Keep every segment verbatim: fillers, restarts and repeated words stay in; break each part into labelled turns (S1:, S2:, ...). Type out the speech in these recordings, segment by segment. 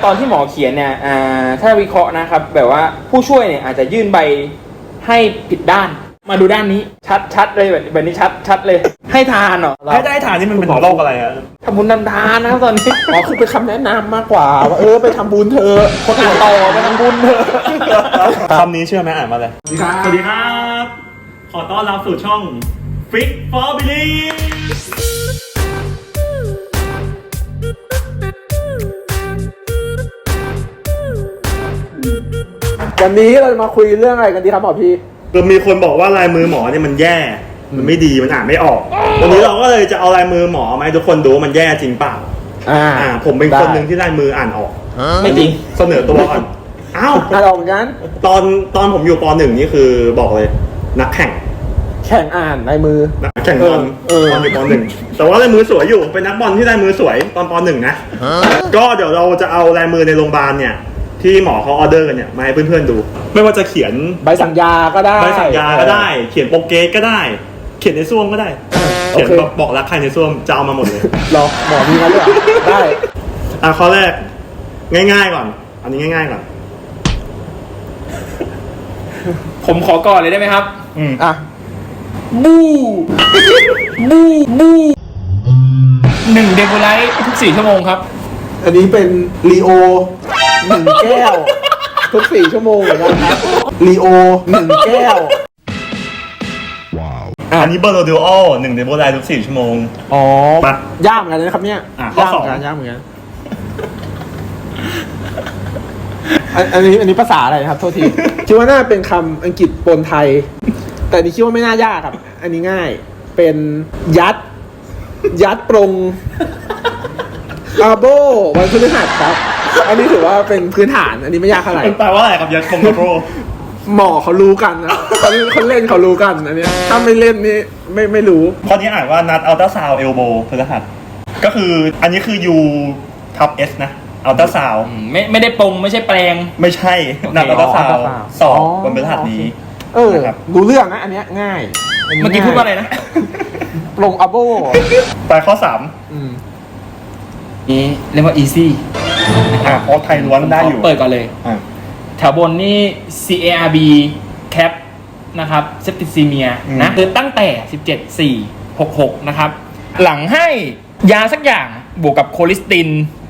S1: ตอนที่หมอเขียนเนี่ยอ่าถ้าวิเคราะห์นะครับแบบว่าผู้ช่วยเนี่ยอาจจะยื่นใบให้ผิดด้านมาดูด้านนี้ชัดชัดเลยแบบแบบนี้ชัดชัดเลยให้ทานเหรอ
S2: ให้ได้ทานนี่มันเป็นโรคอะไรอะ
S1: ทำบุญทำทานนะครับตอนนี้
S3: อ๋อคือเป็นคำแนะนำมากกว่าว่าเออไปทำบุญเถอะคนอื่นต่อไปทำบุญเถอะ
S2: คำนี้เชื่อไหมอ่านมาเลยสวัสดีครับขอต้อนรับสู่ช่อง Fit for Believe
S3: วันนี้เราจะมาคุยเรื่องอะไรกันดีครับหมอพี่
S2: ก็มีคนบอกว่าลายมือหมอเนี่ยมันแย่มันไม่ดีมันอ่านไม่ออกวันนี้เราก็เลยจะเอาลายมือหมอมาให้ทุกคนดูว่ามันแย่จริงเปล่าอ่าอ่าผมเป็นคนหนึ่งที่ลายมืออ่านออก
S1: ไม่จริง
S2: เสนอตัวก่อนอ้าว
S3: อ่านออกงั้น
S2: ตอนตอนผมอยู่ป.หนึ่งนี่คือบอกเลยนักแข่ง
S3: แข่งอ่านลายมือ
S2: นักแข่งบอลตอนอยู่ป.หนึ่งแต่ว่าลายมือสวยอยู่เป็นนักบอลที่ลายมือสวยตอนป.หนึ่งนะก็เดี๋ยวเราจะเอาลายมือในโรงพยาบาลเนี่ยที่หมอเขาออเดอร์กันเนี่ยมาให้เพื่อนๆดูไม่ว่าจะเขียน
S3: ใบสั่งยาก็ได้
S2: ใบสั่งยาก็ได้เขียนโปรเกสก็ได้เขียนในซ่วมก็ได้เขียนบอกรักใครในซ่วมจะเอามาหมดเลย
S3: รอหมอมีกันเลยได้
S2: อ่ะข้อแรกง่ายๆก่อนอันนี้ง่ายๆก่อน
S1: ผมขอก่อนเลยได้ไหมครับ
S2: อืม
S3: อ่ะ
S1: บูบูบูหนึ่งเดโบไลท์ทุกสี่ชั่วโมงครับ
S3: อันนี้เป็นลีโอหนึ่งแก้วทุกสี่ชั่วโมงเหมือนกันครับลีโอหนึ่งแก้ว
S2: ว้าวอันนี้เบอร์โรดิโอหนึ่งเดโบไลท์ทุกสี่ชั่วโมง
S3: อ๋อยากเหมือนกันนะครับเนี่ย
S2: ยากเหมือน
S3: กันยากเหมือนกันอันนี้อันนี้ภาษาอะไรครับโทษทีคิดว่าน่าเป็นคำอังกฤษปนไทยแต่นี่คิดว่าไม่น่ายากครับอันนี้ง่ายเป็นยัดยัดปรงอาโบวันพฤหัสครับอันนี้ถือว่าเป็นพื้นฐานอันนี้ไม่ยากเท่าไหร่
S2: แปลว่าอะไรครับยัดปรงอาโบ
S3: หมอเขารู้กันนะตอนนี้คนเล่นเขารู้กันอันนี้ถ้าไม่เล่นนี่ไม่ไม่รู้
S2: ข้อนี้อ่านว่านัดอัลตราซาวเอลโบพฤหัสก็คืออันนี้คือ U ทับ S นะอัลตราซาว
S1: ไม่ไม่ได้ปรงไม่ใช่แปลง
S2: ไม่ใช่นัดอัลตราซาวสอบวันพฤหัสนี้
S3: เออรู้เรื่องนะอันนี้ง่าย
S1: เมื่อกี้พูดว่าอะไรนะ
S3: ปรงอาโบ
S2: ไปข้อสาม
S1: นี่เรียกว่า easy
S2: อ่ะพอไทยล้วนได้อยู่
S1: เปิดก่อนเลยแถวบนนี่ ซี เอ อาร์ บี cap นะครับ septicemia นะคือตั้งแต่สิบเจ็ด สี่ หก หกนะครับหลังให้ยาสักอย่างบวกกับโคลิสติน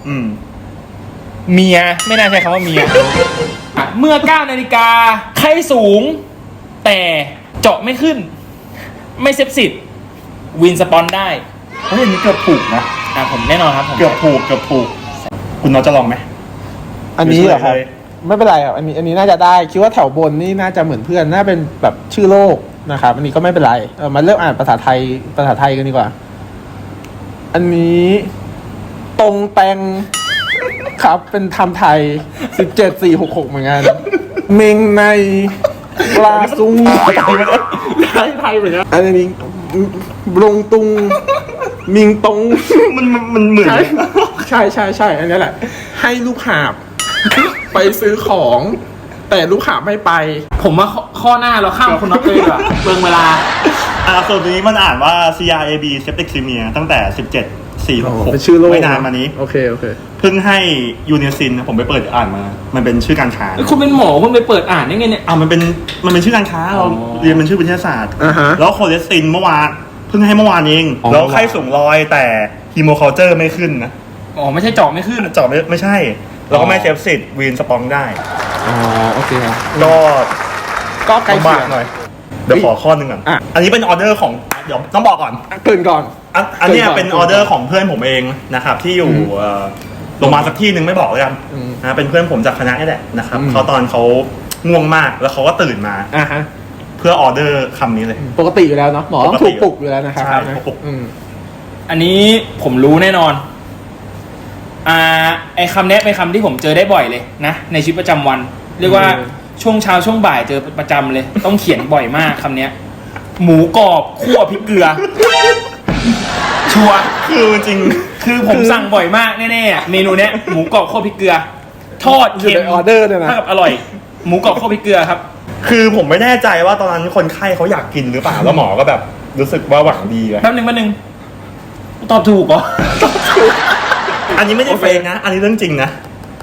S1: เมียไม่น่าใช้คำว่าเมียเมื่อเก้านาฬิกาไข้สูงแต่เจาะไม่ขึ้นไม่เซปซิสวินสปอนได้
S2: เฮ้ยอันนี้เกือบถูกนะ
S1: อ่ะผมแน่นอนครับผม
S2: เกือบถูกเกือบถูกคุณน้องจะลองไหม
S3: อันนี้เหรอครับไม่เป็นไรครับอันนี้อันนี้น่าจะได้คิดว่าแถวบนนี่น่าจะเหมือนเพื่อนน่าเป็นแบบชื่อโลกนะครับอันนี้ก็ไม่เป็นไรเออมาเริ่มอ่านภาษาไทยภาษาไทยกันดีกว่าอันนี้ตรงแตงครับเป็นทำไทยสิบเจ็ด สี่ หก หกเหมือนกันเมงในปลาซุงไทยไทยเหมือนกันอันนี้ลงตุงมิงตง
S2: มันมันเหมือน
S3: ใช่ใช่ใช่อันนี้แหละให้ลูกหาบไปซื้อของแต่ลูกหาบไม่ไป
S1: ผมว่าข้อหน้าเราข้ามคนนับเลยอะเบิ่งเวลา
S2: อ่าส่วนตัวนี้มันอ่านว่า ซี อาร์ เอ บี septicemia ตั้งแต่สิบเจ็ด สี่ หก หก
S3: เป็นชื่อโรค
S2: ไม่นานมานี้
S3: โอเคโอเค
S2: เพิ่งให้ยูเนียซินผมไปเปิดอ่านมามันเป็นชื่อการค้า
S1: คุณเป็นหมอคุณไปเปิดอ่านได้ไงเนี่ย
S2: อ่ามันเป็นมันเป็นชื่อการค้าเราเรียนเป็นชื่อวิทยาศาสตร์แล้วโคเลสตินเมื่อวานเพิ่งให้เมื่อวานเองแล้วไข้สูงร้อยแต่ฮีโมคอลเจอร์ไม่ขึ้นนะ
S1: อ๋อไม่ใช่เจาะไม่ขึ้น
S2: เจาะไม่ไม่ใช่แล้วก็ไม่เซฟซิตวีนสปองได้
S3: อ๋อโอเคครับ
S2: ก็
S3: ก็ใกล้เคียง
S2: หน่อยเดี๋ยวขอข้อนึงก่อนอันนี้เป็นออเดอร์ของเดี๋ยวต้องบอกก่อน
S3: เกินก่อน
S2: อันนี้เป็นออเดอร์ของเพื่อนผมเองนะครับที่อยู่โรงพยาบาลสักที่หนึ่งไม่บอกเลยกันนะเป็นเพื่อนผมจากคณะนี่แหละนะครับเขาตอนเขาง่วงมากแล้วเขาก็ตื่นมาเพื่อออเดอร์คำนี้เลย
S3: ปกติอยู่แล้วเนาะหมอต้องถูกปลุกอยู่แล้วนะครับ
S2: ใช่ปลุก
S1: อันนี้ผมรู้แน่นอนอ่าไอคำนี้เป็นคำที่ผมเจอได้บ่อยเลยนะในชีวิตประจำวันเรียกว่าช่วงเช้าช่วงบ่ายเจอประจำเลยต้องเขียนบ่อยมากคำนี้หมูกรอบคั่วพริกเกลือชัวร์
S2: คือจริง
S1: คือผมสั่งบ่อยมากแน่ๆเมนูเนี้ยหมูกรอบคั่วพริกเกลือทอดเค็ม
S3: ออเดอร์เนี่ยนะ
S1: ถ้ากับอร่อยหมูกรอบคั่วพริกเกลือครับ
S2: คือผมไม่แน่ใจว่าตอนนั้นคนไข้เขาอยากกินหรือเปล่าแล้วหมอก็แบบรู้สึกว่าหวังดี
S1: แป๊บนึงแป๊บนึงตอบถูกเหรอ
S2: อันนี้ไม่ได้เฟกนะอันนี้เรื่องจริงนะ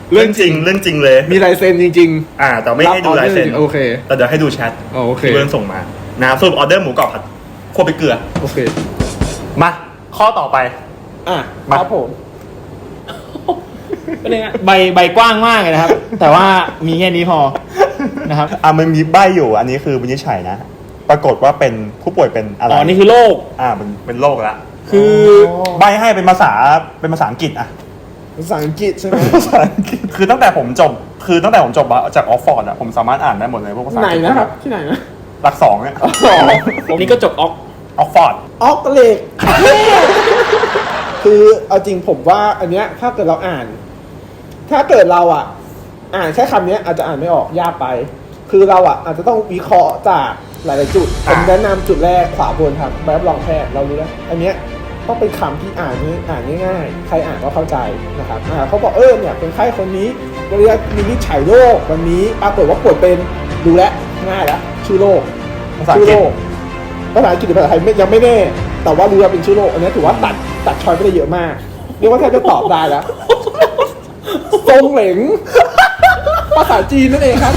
S2: เรื่องจริงเรื่องจริงเลย
S3: มีลายเซ็นจริง
S2: อ่า แต่ไม่ให้ดูลายเซ็น
S3: โอเค
S2: แต่เดี๋ยวให้ดูแชท
S3: อ๋อโอเค
S2: ที่เพื่อนส่งมานะครับสรุปออเดอร์หมูกรอบผัดคั่วพริกเกลือ
S3: โอเค
S2: มาข้อต่อไป
S3: อ่ะ
S2: มา
S3: ครับผม
S1: เป็นไงใบใบกว้างมากเลยนะครับ แต่ว่ามีแค่นี้พอนะครับ
S2: อ่ะมันมีใบอยู่อันนี้คือวินิจฉัยนะ ปรากฏว่าเป็นผู้ป่วยเป็นอะไร
S1: อ๋อนี่คือโรค
S2: อ่ามันเป็นโรคละ
S1: คือ
S2: ใบให้เป็นภาษาเป็นภาษาอังกฤษอะ
S3: ภาษาอังกฤษใช่ไหม
S2: ภาษาอังกฤษคือตั้งแต่ผมจบคือตั้งแต่ผมจบจากออกฟอร์ดอะผมสามารถอ่านได้หมดเลยพวกภาษา
S3: ไหน
S2: อังกฤษ
S3: นะครับ ที่ไหนนะ
S2: หลักสองเนี่ย
S3: อ๋อ
S1: นี่ก็จบออก
S2: ออกฟอร์ด
S3: ออกเหล็ก คือเอาจริงผมว่าอันเนี้ยถ้าเกิดเราอ่าน ถ้าเกิดเราอ่ะ อ่านแค่คำเนี้ยอาจจะอ่านไม่ออกยากไป คือเราอ่ะอาจจะต้องวิเคราะห์จากหลายๆจุดผมแนะนำจุดแรกขวาบนครับใบรับรองแพทย์เรารู้แล้วอันเนี้ยต้องเป็นคำที่อ่านง่ายอ่านง่ายๆใครอ่านก็เข้าใจนะครับอ่าเขาบอกเออเนี่ยเป็นไข้คนนี้เรียกวินิจฉัยโรควันนี้ปรากฏว่าป่วยเป็นดูแลวง่ายแล้วชื่อโรค
S2: ภาษาอั
S3: ชื่
S2: ง
S3: อก
S2: ฤษ
S3: โรคภาษาอังกฤษหรือภาษาไทยไม่ยังไม่แน่ แต่ว่ารู้ว่าเป็นชื่อโรคอันนี้ถือว่าตัดตัดชอยไปได้เยอะมาก เรียกว่าแทบจะตอบได้แล้ว ทรงเหลง ภาษาจีนนั่นเองครับ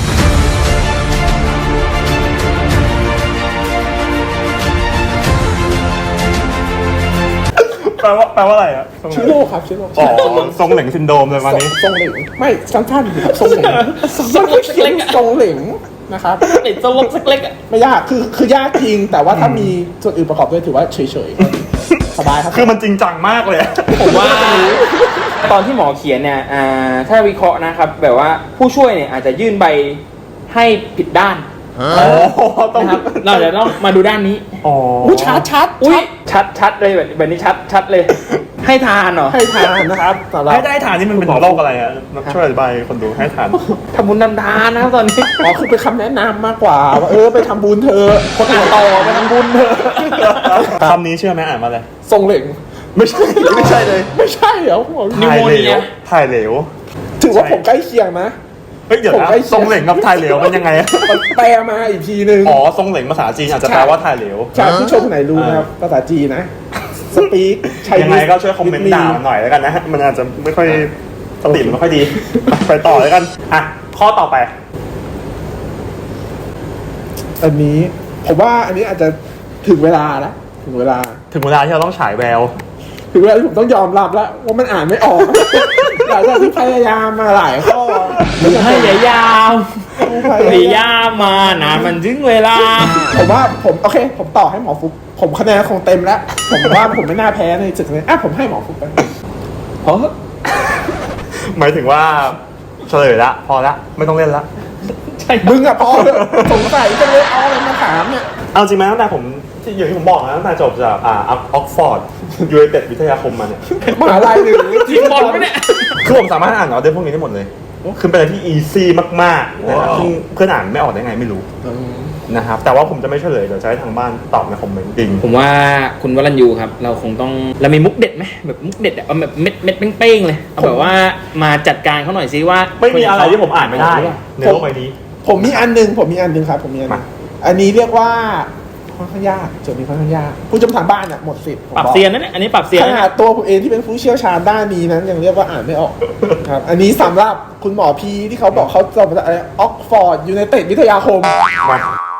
S2: แปลว่าแปลว่าอะไรอะ
S3: ชื่อโรคครับชื่อโรค
S2: อ๋อทรงเหล่งซินโดรมเลยวันนี้
S3: ทรงเหลงไม่สั้นๆครับทรงเหลงมันก็เขียนทรงเหลงนะครับ
S1: ติดสลบสักเล็กอะ
S3: ไม่ยากคือคือยากจริง แต่ว่าถ้ามีส่วนอื่นประกอบด้วยถือว่าเฉยๆสบายครับ
S2: คือมันจริงจังมากเลยอะ
S1: ผมว่าตอนที่หมอเขียนเนี่ยอ่าถ้าวิเคราะห์นะครับ แบบว่าผู้ช่วยเนี่ยอาจจะยื่นใบให้ผิดด้าน
S2: โอ้ต้อง
S1: นะครับ เราจะต้องมาดูด้านนี้
S2: อ๋อ
S3: อุ้ยชัดชัด
S1: อุ้ยชัดชัดเลยแบบแบบนี้ชัดชัดเลย ให้ทานเหรอ
S3: ให้ทานนะครับสำหรับ
S2: ให้ได้ทานนี่มันเป็นโรคอะไรอะช่วยอธิบายคนดูให้ทาน
S1: ทำบุญทำทานนะครับตอนนี้
S3: อ๋อคือเป็นคำแนะนำมากกว่าว่าเออไปทำบุญเธอะ
S1: คนอ่านต่อไปทำบุญเถอะ
S2: คำนี้เชื่อไหมอ่านมาเลย
S3: ทรงเหล่ง
S2: ไม่ใช่ไม่ใช่เลย
S3: ไม่ใช่เหรอผม
S1: นิว
S2: ถ่าย
S1: โม
S2: เหล
S1: เนี
S2: วย ถ่ายเหลว
S3: ถือว่าผมใกล้เคียงนะ
S2: เฮ้ยเดี๋ยว
S3: ผม
S2: นะ
S3: ใกล้เคียง
S2: ทรงเหล่งกับถ่ายเหลวมันยังไงอะ
S3: มันแปลมาอีกทีนึง
S2: อ๋อทรงเหล่งภาษาจีนอาจจะแปลว่าถ่ายเหลว
S3: ชาวผู้ชมคนไหนรู้นะครับภาษาจีนนะสปีกใช้
S2: ยังไงก็ช่วยคอมเมนต์ด่ามันหน่อยแล้วกันนะ มันอาจจะไม่ค่อยสติมันไม่ค่อยดี ไปต่อแล้วกัน อ่ะ ข้อต่อไป
S3: อันนี้ผมว่าอันนี้อาจจะถึงเวลาแล้วถึงเวลา
S2: ถึงเวลาที่เราต้องฉายแวว
S3: ถึงเวลาที่ผมต้องยอมรับแล้วว่ามันอ่านไม่ออก หลังจากที่พยายามมาหลายข้อ
S1: ให้ยายามพยายามมานานมันถึงเวลา
S3: ผมว่าผมโอเค ผมต่อให้หมอฟุกผมคะแนนคงเต็มแล้ว ผมว่าผมไม่น่าแพ้ในจุดนี้อ่ะผมให้หมอฟุกไป
S1: เพราะ
S2: หมายถึงว่าเฉลยละ พอละ ไม่ต้องเล่นละ
S1: ใช่
S3: มึงอะพอเลยสงสัยจังเลยเอาอะไรมาถามเนี่ย
S2: เอาจริงไหมตั้งแต่ผมที่อย่างที่ผมบอกนะตั้งแต่จบจากอ่าออกฟอร์ดยูไนเต็ดวิทยาคมมาเนี่ย
S3: มหาลัยหนึ่ง
S1: ทีมบอลไหมเนี่ย
S2: คือผมสามารถอ่านออเดอร์พวกนี้ได้หมดเลย คือเป็นอะไรที่อีซี่มากๆนะครับซึ่งเพื่อนอ่านไม่ออกได้ไงไม่รู้นะครับ แต่ว่าผมจะไม่เฉลยเดี๋ยวจะให้ทางบ้านตอบในคอมเมนต์จริง
S1: ผมว่าคุณวรัญยูครับ เราคงต้องเรามีมุกเด็ดไหมแบบมุกเด็ดอะเอาแบบเม็ดเม็ดเป้งๆเลยเอาแบบว่ามาจัดการเขาหน่อยซิว่า
S2: ไม่มีอะไรที่ผมอ่านไม่ได้ในโลกใบนี้
S3: ผมมีอันหนึงผมมีอันหนึงครับ ผมมีอันหนึง
S2: มา
S3: อันนี้เรียกว่าค่อนข้างยากโจทย์นี้ค่อนข้างยากผู้ชมทางบ้านอ่ะหมดสิทธิ์ผม
S1: ปรับ
S3: บอก
S1: เซียนนั่นแหละอันนี้ปรับเซียน
S3: ข
S1: นะ
S3: นาดตัวผมเองที่เป็นผู้เชี่ยวชาญด้านนี้นั้นยังเรียกว่าอ่านไม่ออก ครับ อันนี้สำหรับคุณหมอพีที่เขาบอกเขาจบมาจากอะไรออกฟอร์ดยูไนเต็ดวิทยาคม
S2: มา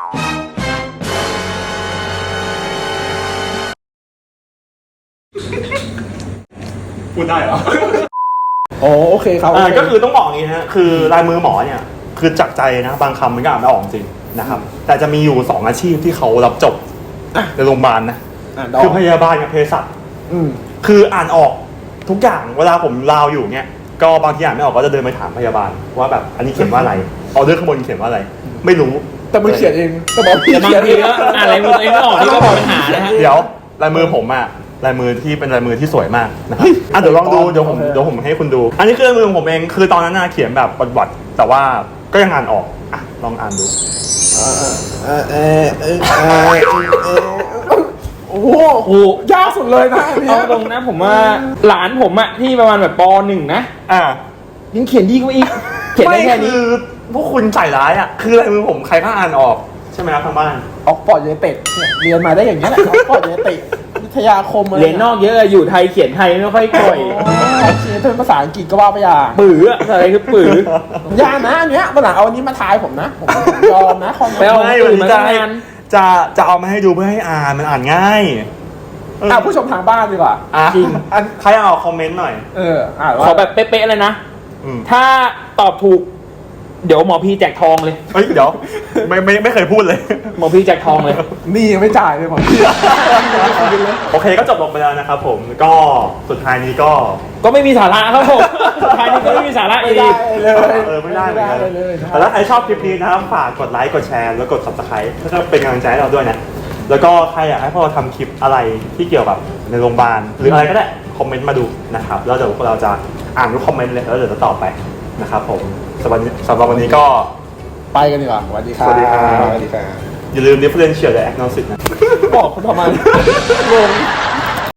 S2: พูดได้เหรอ
S3: อ๋อโอเคครับ
S2: อ่า
S3: โเ
S2: ก็คือต้องบอกอย่างนี้ฮะคือลายมือหมอเนี่ยคือจากใจนะบางคำมันก็อ่านไม่ออกจริงนะครับแต่จะมีอยู่สองอาชีพที่เขารับจบ
S3: อ่ะ
S2: ในโรงพยาบาลนะ
S3: อ่านดอก
S2: คือพยาบาลกับเภสัช
S3: อืม
S2: คืออ่านออกทุกอย่างเวลาผมลาวอยู่เนี่ยก็บางทีอ่านไม่ออกก็จะเดินไปถามพยาบาลว่าแบบอันนี้เขียนว่าอะไรออเดอร์ข้างบนเขียนว่าอะไร ไม่รู้
S3: แต่มันเขียนเองแต่บอกพี่
S1: แต่บาง
S3: เขียน
S1: ที
S3: เอง
S1: ก็อ่านอะไรมือตัวเองไม่ออกนี่ก็เป็นปัญหานะฮะ
S2: เดี๋ยวลายมือผมอะลายมือที่เป็นลายมือที่สวยมากนะครับอ่ะเดี๋ยวลองดูเดี๋ยวผมเดี๋ยวผมให้คุณดู อันนี้คือลายมือของผมเองคือตอนนั้นน่ะเขียนแบบวัดๆแต่ว่าก็ยังอ่านออกอ่ะลองอ่านดู
S3: เออเออเออเออเออเออโอ้โห
S1: โอ้
S3: ยากสุดเลยนะอันเนี้
S1: เอา
S3: ย
S1: ตรงนะผมว่าหลานผมอะที่ประมาณแบบปหนึ่งนะ
S2: อ่า
S1: ยังเขียนดีกว่าอีกเขียนได้แค่นี้
S2: คือพวกคุณใส่ร้ายอ่ะคือลายมือผมใครก็อ่านออกใช่ไหมครับทางบ้าน
S3: ออกฟอร์ดยูไนเต็ดเนี่ยเรียนมาได้อย่างนี้ยแหละออกฟอร์ดยูไนเต็ดวิทยาคมอะไร
S1: เรียนนอกเยอะอยู่ไทยเขียนไทยไม่ค่อยก่อย
S3: โอเคนี้เป็นภาษาอังกฤษก็ว่าไปอย่าง
S1: ปื๋ออะไรคือปื๋อ
S3: อย่านะอันเนี้ยวันหลังเอาอันนี้มาทายผมนะผมผมยอมนะคอมเมน
S1: ไม่เอา
S3: ต์
S2: ไม่วันนี้จะให้จะจะเอามาให้ดูเพื่อให้อ่านมันอ่านง่ายเออ
S3: อ่ะผู้ชมทางบ้านดีกว่า
S2: อ่ะ
S3: จริง
S2: อันใครเอาคอมเมนต์หน่อย
S3: เอออ่าน
S1: ข
S3: ว่า
S1: อแบบเป๊ะๆเลยนะ
S2: อืม
S1: ถ้าตอบถูก เดี๋ยวหมอพีแจกทองเลย
S2: เฮ้ยเดี๋ยวไม่ไม่ไม่เคยพูดเลย
S1: หมอพีแจกทองเลย
S3: นี่ยังไม่จ่ายเลยผม
S2: โอเคก็จบลงไปแล้วนะครับผมก็สุดท้ายนี้ก็
S1: ก็ไม่มีสาระครับผมสุดท้ายนี้ก็ไม่มีสาระ
S3: ไม่
S1: อี
S3: ได้
S1: ก
S3: เลย
S2: เออไม่ได้เหมือนกัน
S3: ไม่เลยนะ
S2: แต่ถ้าใครชอบคลิปนี้นะครับฝากกดไลค์กดแชร์แล้วกด subscribe เพื่อเป็นกำลังใจให้เราด้วยนะแล้วก็ใครอยากให้พวกเราทำคลิปอะไรที่เกี่ยวกับในโรงพยาบาลหรืออะไรก็ได้คอมเมนต์มาดูนะครับแล้วเดี๋ยวพวกเราจะอ่านทุกคอมเมนต์เลยแล้วเดี๋ยวจะตอบไปนะครับผมสำหรับสำหรับวันนี้ก็
S3: ไปกันดีกว่าสวัสดีครับ
S2: สวัสดีครับ
S3: สวัสดีครับ
S2: อย่าลืม differential และ agnostic นะ
S3: บอกคุณทำไมงง